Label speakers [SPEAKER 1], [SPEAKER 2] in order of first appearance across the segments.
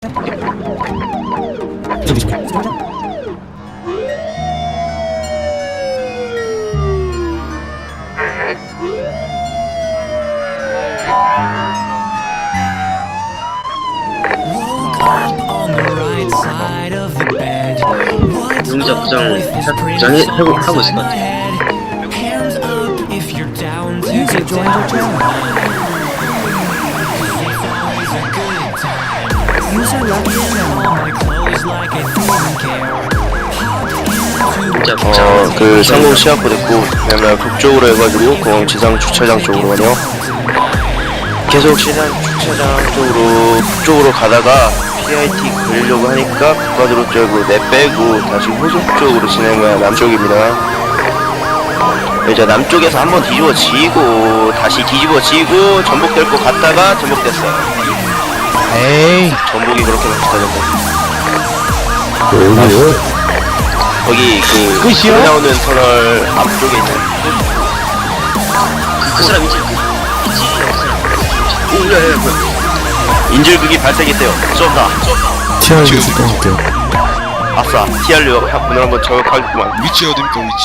[SPEAKER 1] 용자 부장 하고 있을 것 같아.
[SPEAKER 2] 그 상공 시합부 됐고 그다음에 북쪽으로 해가지고 공항 지상 주차장 쪽으로 가네요. 계속 시장 주차장 쪽으로 북쪽으로 가다가 PIT 그리려고 하니까 국가도로 쪽으로 내빼고 다시 호속 쪽으로 진행해야 남쪽입니다. 이제 남쪽에서 한번 뒤집어지고 다시 뒤집어지고 전복될 것 같다가 전복됐어요.
[SPEAKER 3] 에이,
[SPEAKER 2] 전복이 그렇게 비슷하던데.
[SPEAKER 3] 어디요?
[SPEAKER 2] 거기 그
[SPEAKER 3] 끝이요?
[SPEAKER 2] 나오는 터널 앞쪽에 있는
[SPEAKER 1] 그 사람 이제
[SPEAKER 2] 오야야 뭐야 인질극이 발생했대요. 쏜다.
[SPEAKER 3] TR 좀 할게요.
[SPEAKER 2] 아싸 TR로 오늘 한번 저격하겠구만.
[SPEAKER 4] 위치 어딥니까 위치?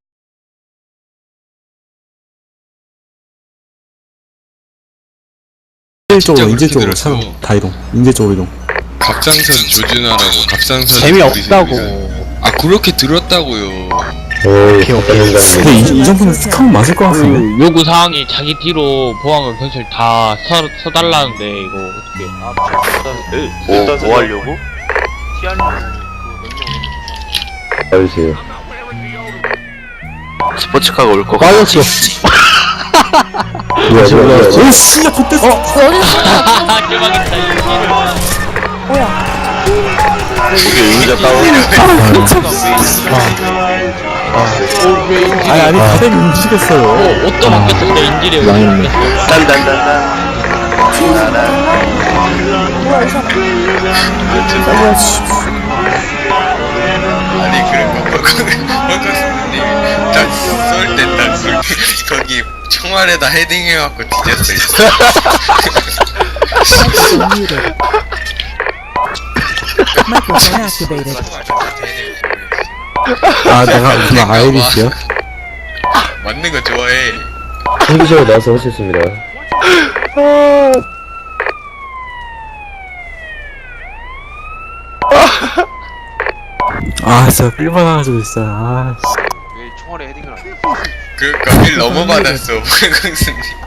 [SPEAKER 3] 인제 쪽으로 차로 다 이동. 인제 쪽으로 이동.
[SPEAKER 4] 갑상선 조준하라고 갑상선
[SPEAKER 3] 재미없다고.
[SPEAKER 4] 아 그렇게 들었다고요.
[SPEAKER 3] 근데 이 정도면 스카운 맞을 것 같은데?
[SPEAKER 5] 요구 사항이 자기 뒤로 보안과 경찰 다 서달라는데 이거 어떻게?
[SPEAKER 2] 뭐 하려고?
[SPEAKER 3] 알려주세요.
[SPEAKER 2] 스포츠카가 올 거 같아.
[SPEAKER 3] 빠졌어. 뭐야? 오 씨야 좆됐어.
[SPEAKER 5] 대박이다 이
[SPEAKER 2] 이게 의자 따로.
[SPEAKER 3] 아니 다들 움직였어요.
[SPEAKER 5] 옷도 바뀌었을 때 인질이 바뀌었어.
[SPEAKER 2] 딴딴딴딴.
[SPEAKER 4] 아니 그런 거 헐커스님 딱쏠때딱 거기 총알에다 헤딩해갖고 뒤졌어요.
[SPEAKER 6] Microphone activated.
[SPEAKER 3] 아 내가 그냥 아이리스요?
[SPEAKER 4] 맞는 거 좋아해.
[SPEAKER 3] 전기적으로 나와서 하셨습니다. 아 진짜 삘받아가지고 진짜 아
[SPEAKER 4] 그러니까 일 너무 받았어. 불광수님.